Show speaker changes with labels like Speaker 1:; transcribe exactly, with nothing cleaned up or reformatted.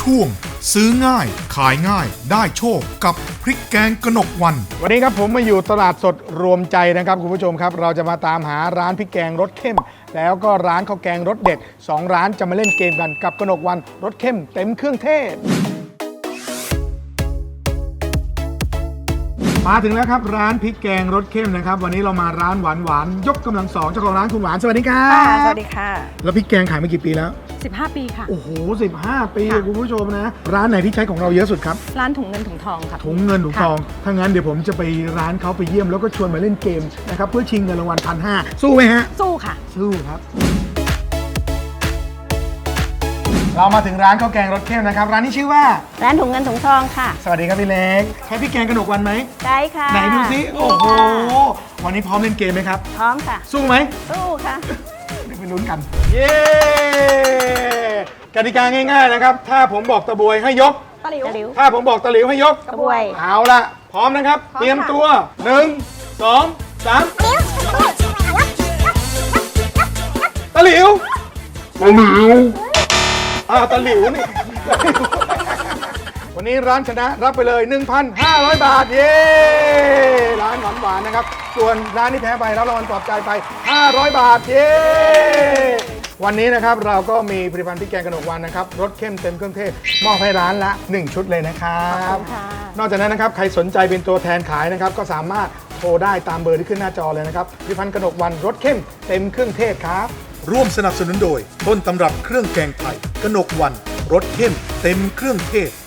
Speaker 1: ช่วงซื้อง่ายขายง่ายได้โชคกับพริกแกงกนกวัน
Speaker 2: วันนี้ครับผมมาอยู่ตลาดสดรวมใจนะครับคุณผู้ชมครับเราจะมาตามหาร้านพริกแกงรสเข้มแล้วก็ร้านข้าวแกงรสเด็ดสองร้านจะมาเล่นเกมกันกับกนกวันรสเข้มเต็มเครื่องเทศมาถึงแล้วครับร้านพริกแกงรสเข้มนะครับวันนี้เรามาร้านหวานหวานยกกำลังสองเจ้าของร้านคุณหวานสวัสดีครับ
Speaker 3: สวัสดีค่ะ
Speaker 2: แล้วพริกแกงขายมากี่ปีแล้ว
Speaker 3: สิบห้าปีค่ะ
Speaker 2: โอ้โหสิบห้าปีคุณผู้ชมนะร้านไหนที่ใช้ของเราเยอะสุดครับ
Speaker 3: ร้านถุงเงินถุงทองค่ะ
Speaker 2: ถุงเงินถุงทองถ้างั้นเดี๋ยวผมจะไปร้านเขาไปเยี่ยมแล้วก็ชวนมาเล่นเกมนะครับเพื่อชิงเงินรางวัลพันห้าสู้ไหมฮะ
Speaker 3: สู้ค่ะ
Speaker 2: สู้ครับเรามาถึงร้านข้าวแกงรสเข้มนะครับร้านนี้ชื่อว่า
Speaker 4: ร้านถุงเงินถุงทองค่ะ
Speaker 2: สวัสดีครับพี่เล็กใช้พริกแกงกนกวันไหม
Speaker 4: ใช่ค่ะ
Speaker 2: ไหนดูซิโอ้โหวันนี้พร้อมเล่นเกมไหมครับ
Speaker 4: พร้อมค่ะ
Speaker 2: สู้ไหม
Speaker 4: สู้ค่ะ
Speaker 2: เดี๋ยวไปลุ้นกันเย้กติกาง่ายๆนะครับถ้าผมบอกตะบวยให้ยก
Speaker 3: ตะหลิว
Speaker 2: ถ้าผมบอกตะหลิวให้ยก
Speaker 4: ตะบวย
Speaker 2: เอาละพร้อมนะครับเตรียมตัวหนึ่งสองสามตะหลิวตะหลิวอ้าวตะหลิวนี่วันนี้ร้านชนะรับไปเลย หนึ่งพันห้าร้อย บาทเย้ร้านหวานหวานนะครับส่วนร้านที่แพ้ไปรับรางวัลปลอบใจไปห้าร้อยบาทเย้วันนี้นะครับเราก็มีผลิตภัณฑ์พริกแกงกนกวันนะครับรสเข้มเต็มเครื่องเทศมอบให้ร้านละหนึ่งชุดเลยนะครับนอกจากนั้นนะครับใครสนใจเป็นตัวแทนขายนะครับก็สามารถโทรได้ตามเบอร์ที่ขึ้นหน้าจอเลยนะครับผลิตภัณฑ์กนกวันรสเข้มเต็มเครื่องเทศครับ
Speaker 1: ร่วมสนับสนุนโดยต้นตำรับเครื่องแกงไทยกนกวันรสเข้มเต็มเครื่องเทศ